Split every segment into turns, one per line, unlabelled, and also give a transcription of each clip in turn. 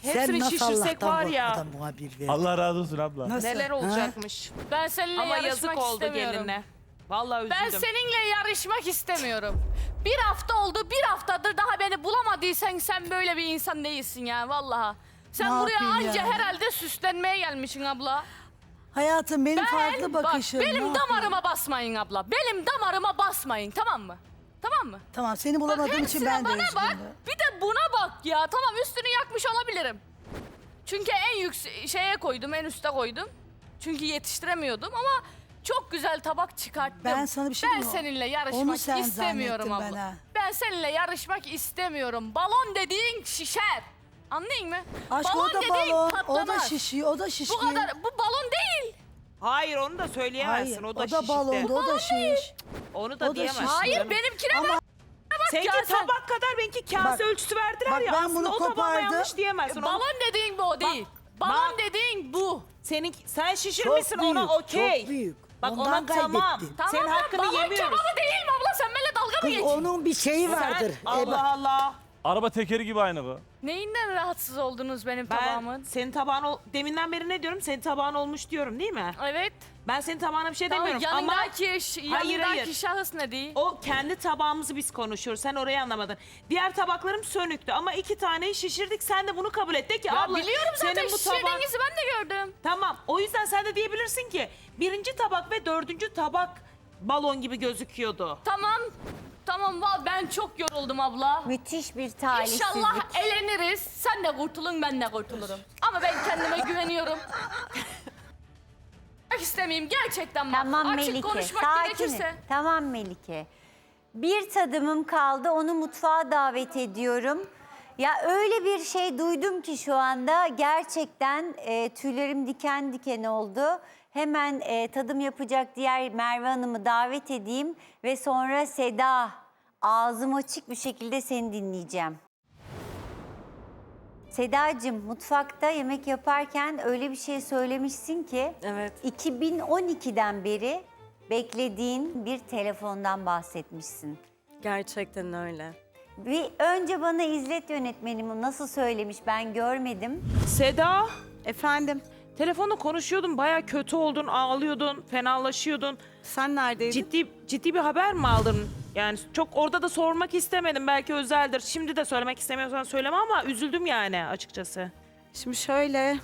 hepsini
nasıl
şişirsek
Allah'tan
var ya.
korkmadan muhabir verdin?
Allah razı olsun abla.
Nasıl?
Neler
Ha?
olacakmış.
Ben seninle
Ama
yarışmak
yazık oldu
istemiyorum.
geline. Vallahi üzüldüm.
Ben seninle yarışmak istemiyorum. Bir hafta oldu, bir haftadır daha beni bulamadıysan sen böyle bir insan değilsin ya vallahi. Sen
Ne
buraya
yapayım
anca
yani?
herhalde süslenmeye gelmişsin abla.
Hayatım benim farklı
Bak,
bakışım. ne
benim
yapayım?
damarıma basmayın abla. Benim damarıma basmayın, tamam mı? Tamam mı?
Tamam seni
Bak
bulamadığım için
hepsine
ben de
bana bak,
üzgünüm.
bir de buna bak ya. Tamam üstünü yakmış olabilirim. Çünkü en yüksek şeye koydum, en üste koydum. Çünkü yetiştiremiyordum ama çok güzel tabak çıkarttım.
Ben sana bir şey
Ben
diyeyim mi?
seninle
Onu
yarışmak
sen
istemiyorum
zannettin
abla.
ben ha.
Ben seninle yarışmak istemiyorum. Balon dediğin şişer. Anlayın mı?
Aşk
balon
o da
dediğin
balon, o da
patlamaz.
şişiyor, o da şişkin.
Bu kadar, bu balon değil.
Hayır onu da söyleyemezsin.
Hayır,
o
o
da
da
şişikti.
balon, o da şiş.
Onu
o
da
da
diyemezsin.
şişti.
Hayır
canım.
benimkine
Ama-
bak.
Seninki
ya sen-
tabak kadar benimki kase
Bak,
ölçüsü verdiler
bak
ya.
ben
Aslında
bunu
o tabağıma
kopardım.
yanlış diyemezsin. Onu-
Balon dediğin bu o değil. Balon
bak.
dediğin bu.
sen şişirmişsin
Çok büyük,
ona okey.
çok büyük.
Bak
Ondan
ona tamam.
kaybettin.
Tamam
Senin
ya,
hakkını
balon
yemiyoruz.
kebabı değil mi abla? Sen benimle dalga mı
Kız
geçiyorsun?
onun bir şeyi vardır.
Allah Allah.
Araba tekeri gibi aynı bu.
Neyinden rahatsız oldunuz benim
Ben
tabağımın?
senin tabağın deminden beri ne diyorum? Senin tabağın olmuş diyorum değil mi?
Evet.
Ben senin tabağına bir şey
Tamam,
demiyorum ama
yanındaki şahıs ne değil?
o kendi tabağımızı biz konuşuyoruz. Sen orayı anlamadın. Diğer tabaklarım sönüktü ama 2 taneyi şişirdik. Sen de bunu kabul et. De ki
Ya
abla
biliyorum zaten
senin bu tabağın...
şişirdiğinizi ben de gördüm.
Tamam. O yüzden sen de diyebilirsin ki 1. tabak ve 4. tabak balon gibi gözüküyordu.
Tamam. Tamam ben çok yoruldum abla.
Müthiş bir talihsizlik.
İnşallah eleniriz. Sen de kurtulun ben de kurtulurum. Ama ben kendime güveniyorum. istemeyeyim gerçekten bak.
Tamam
Açık
Melike,
konuşmak
sakinim.
gerekirse.
Tamam Melike. Bir tadımım kaldı, onu mutfağa davet ediyorum. Ya öyle bir şey duydum ki şu anda gerçekten tüylerim diken diken oldu. Hemen tadım yapacak diğer Merve Hanım'ı davet edeyim ve sonra Seda, ağzım açık bir şekilde seni dinleyeceğim. Sedacığım, mutfakta yemek yaparken öyle bir şey söylemişsin ki...
Evet.
2012'den beri beklediğin bir telefondan bahsetmişsin.
Gerçekten öyle.
Bir önce bana izlet yönetmenimi nasıl söylemiş ben görmedim.
Seda,
Efendim,
telefonla konuşuyordun. Baya kötü oldun, ağlıyordun, fenalaşıyordun.
sen neredeydin?
Ciddi bir haber mi aldın? Yani çok orada da sormak istemedim. Belki özeldir. Şimdi de söylemek istemiyorsan söyleme ama üzüldüm yani açıkçası.
Şimdi şöyle...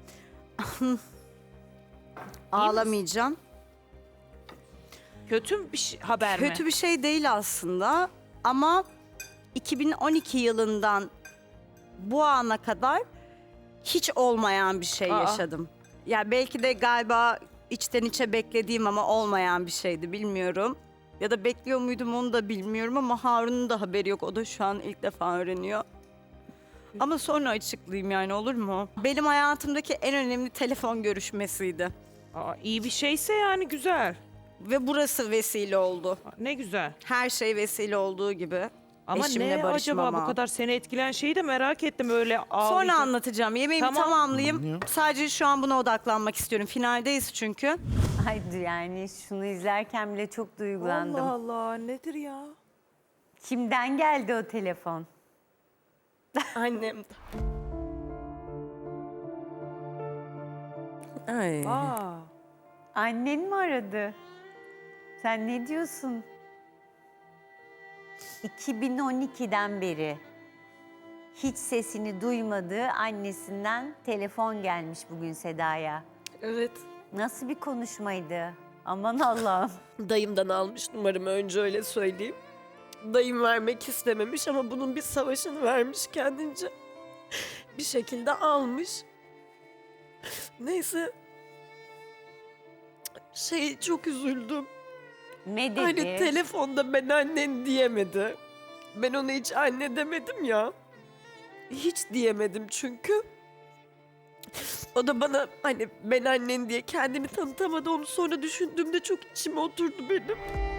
Ağlamayacağım.
Kötü bir haber mi?
Kötü bir şey değil aslında ama 2012 yılından bu ana kadar hiç olmayan bir şey
Aa.
yaşadım. Ya belki de galiba içten içe beklediğim ama olmayan bir şeydi bilmiyorum. Ya da bekliyor muydum onu da bilmiyorum ama Harun'un da haberi yok. O da şu an ilk defa öğreniyor. Ama sonra açıklayayım yani olur mu? Benim hayatımdaki en önemli telefon görüşmesiydi.
İyi bir şeyse yani güzel.
Ve burası vesile oldu.
Ne güzel.
Her şey vesile olduğu gibi.
Ama
Eşimle
ne acaba
barışmama.
bu kadar seni etkileyen şeyi de merak ettim öyle ağlayacak.
Sonra anlatacağım. Yemeğimi
Tamam.
tamamlayayım. Sadece şu an buna odaklanmak istiyorum. Finaldeyiz çünkü.
Haydi yani şunu izlerken bile çok duygulandım.
Allah Allah nedir ya?
Kimden geldi o telefon?
Annem. Ay.
Aa.
Annen mi aradı? Sen ne diyorsun? 2012'den beri hiç sesini duymadığı annesinden telefon gelmiş bugün Seda'ya.
Evet.
Nasıl bir konuşmaydı? Aman Allah'ım.
Dayımdan almış numaramı önce öyle söyleyeyim. Dayım vermek istememiş ama bunun bir savaşını vermiş kendince. Bir şekilde almış. Neyse. Çok üzüldüm.
Ne dedi?
Hani telefonda ben annen diyemedi. Ben ona hiç anne demedim ya. Hiç diyemedim çünkü. O da bana hani ben annen diye kendini tanıtamadı. Onu sonra düşündüğümde çok içime oturdu benim.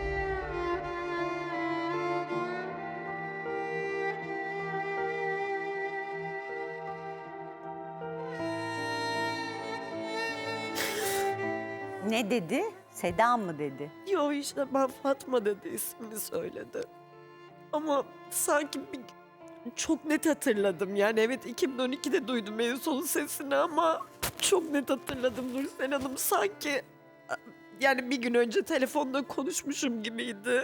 Ne dedi? Seda mı dedi?
Yo işte ben Fatma dedi ismini söyledi. Ama sanki çok net hatırladım. Yani evet 2012'de duydum en son sesini ama çok net hatırladım Nursel Hanım. Sanki yani bir gün önce telefonda konuşmuşum gibiydi.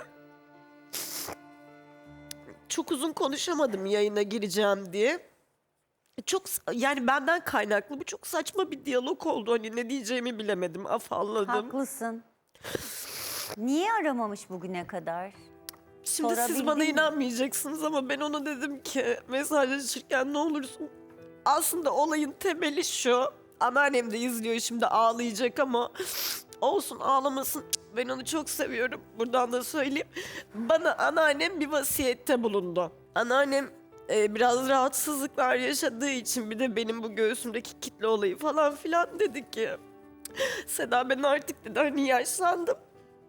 Çok uzun konuşamadım yayına gireceğim diye. Yani benden kaynaklı bu çok saçma bir diyalog oldu. Hani ne diyeceğimi bilemedim, afalladım.
Haklısın. Niye aramamış bugüne kadar?
Şimdi siz
Sorabildin
bana
mi?
inanmayacaksınız ama ben ona dedim ki mesajlaşırken ne olursun. Aslında olayın temeli şu. Anneannem de izliyor şimdi ağlayacak ama olsun ağlamasın. Ben onu çok seviyorum. Buradan da söyleyeyim. Bana anneannem bir vasiyette bulundu. Anneannem biraz rahatsızlıklar yaşadığı için bir de benim bu göğsümdeki kitle olayı falan filan dedi ki Seda ben artık dedi hani yaşlandım.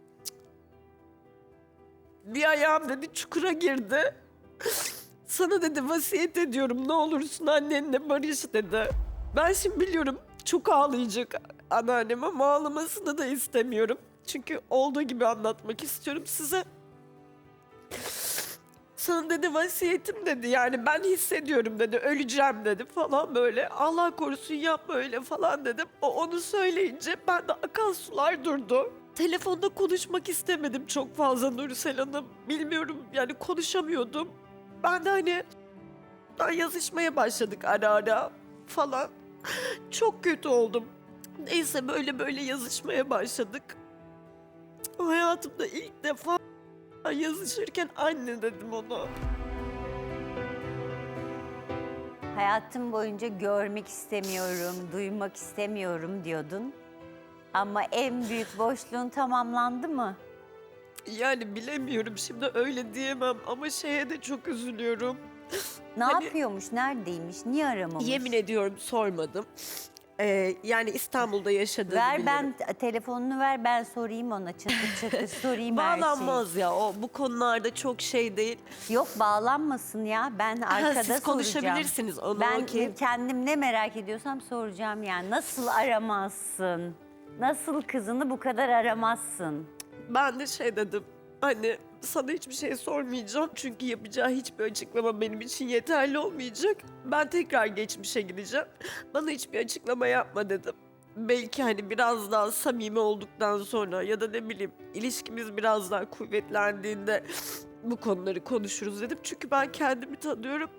Bir ayağım dedi çukura girdi. Sana dedi vasiyet ediyorum ne olursun annenle barış dedi. Ben şimdi biliyorum çok ağlayacak anneannem ama ağlamasını da istemiyorum. Çünkü olduğu gibi anlatmak istiyorum size. Sana dedi vasiyetim dedi yani ben hissediyorum dedi öleceğim dedi falan böyle. Allah korusun yapma öyle falan dedim. O onu söyleyince ben de akan sular durdu. Telefonda konuşmak istemedim çok fazla Nursel Hanım. Bilmiyorum yani konuşamıyordum. Ben de hani yazışmaya başladık ara ara falan. Çok kötü oldum. Neyse böyle yazışmaya başladık. Hayatımda ilk defa yazışırken anne dedim ona.
Hayatım boyunca görmek istemiyorum, duymak istemiyorum diyordun. Ama en büyük boşluğun tamamlandı mı?
Yani bilemiyorum şimdi öyle diyemem ama şeye de çok üzülüyorum.
Ne
Hani-
yapıyormuş, neredeymiş, niye aramamış?
Yemin ediyorum sormadım. Yani İstanbul'da yaşadığını
Ver
biliyorum.
ben telefonunu ver ben sorayım ona çatır çatır sorayım her şeyi.
Bağlanmaz ya o bu konularda çok şey değil.
Yok bağlanmasın ya ben arkada
Siz
soracağım.
konuşabilirsiniz onu
Ben
okey.
kendim ne merak ediyorsam soracağım yani. Nasıl aramazsın? Nasıl kızını bu kadar aramazsın?
Ben de şey dedim. Hani sana hiçbir şey sormayacağım çünkü yapacağı hiçbir açıklama benim için yeterli olmayacak. Ben tekrar geçmişe gideceğim. Bana hiçbir açıklama yapma dedim. Belki hani biraz daha samimi olduktan sonra ya da ne bileyim ilişkimiz biraz daha kuvvetlendiğinde bu konuları konuşuruz dedim. Çünkü ben kendimi tanıyorum.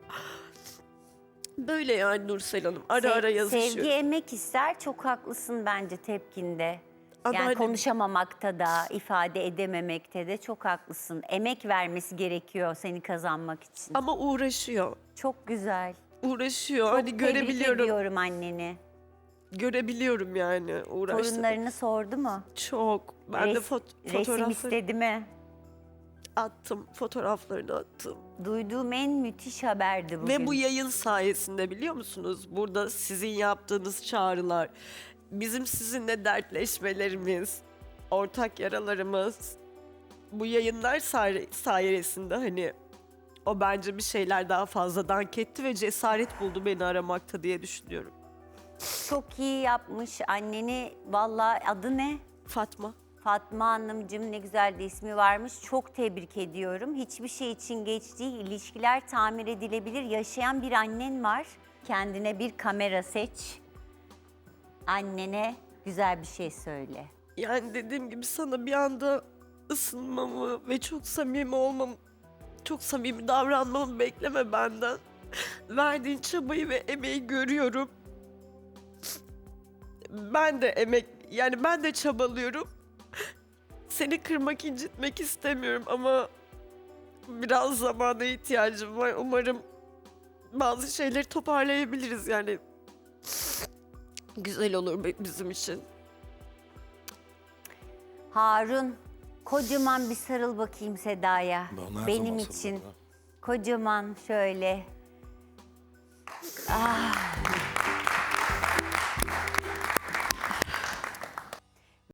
Böyle yani Nursel Hanım ara ara yazışıyorum.
Sevgi emek ister çok haklısın bence tepkinde. Yani
Anneannem-
konuşamamakta da, ifade edememekte de çok haklısın. Emek vermesi gerekiyor seni kazanmak için.
Ama uğraşıyor.
Çok güzel.
Uğraşıyor.
Çok
hani
tebrik
görebiliyorum.
ediyorum anneni.
Görebiliyorum yani uğraştığını.
Torunlarını sordu mu?
Çok. Ben de
Resim
fotoğrafları
istedi mi?
attım. Fotoğraflarını attım.
Duyduğum en müthiş haberdi bugün.
Ve bu yayın sayesinde biliyor musunuz? Burada sizin yaptığınız çağrılar, bizim sizinle dertleşmelerimiz, ortak yaralarımız, bu yayınlar sayesinde hani o bence bir şeyler daha fazla dank etti ve cesaret buldu beni aramakta diye düşünüyorum.
Çok iyi yapmış anneni. Vallahi adı ne?
Fatma.
Fatma Hanımcığım ne güzel de ismi varmış. Çok tebrik ediyorum. Hiçbir şey için geç değil. İlişkiler tamir edilebilir. Yaşayan bir annen var. Kendine bir kamera seç. Annene güzel bir şey söyle.
Yani dediğim gibi sana bir anda ısınmamı ve çok samimi olmamı, çok samimi davranmamı bekleme benden. Verdiğin çabayı ve emeği görüyorum. Ben de ben de çabalıyorum. Seni kırmak, incitmek istemiyorum ama biraz zamana ihtiyacım var. Umarım bazı şeyleri toparlayabiliriz yani. Güzel olur bizim için.
Harun, kocaman bir sarıl bakayım Seda'ya.
Ben her
Benim
zaman
için.
sarılırım.
Kocaman şöyle. Ah.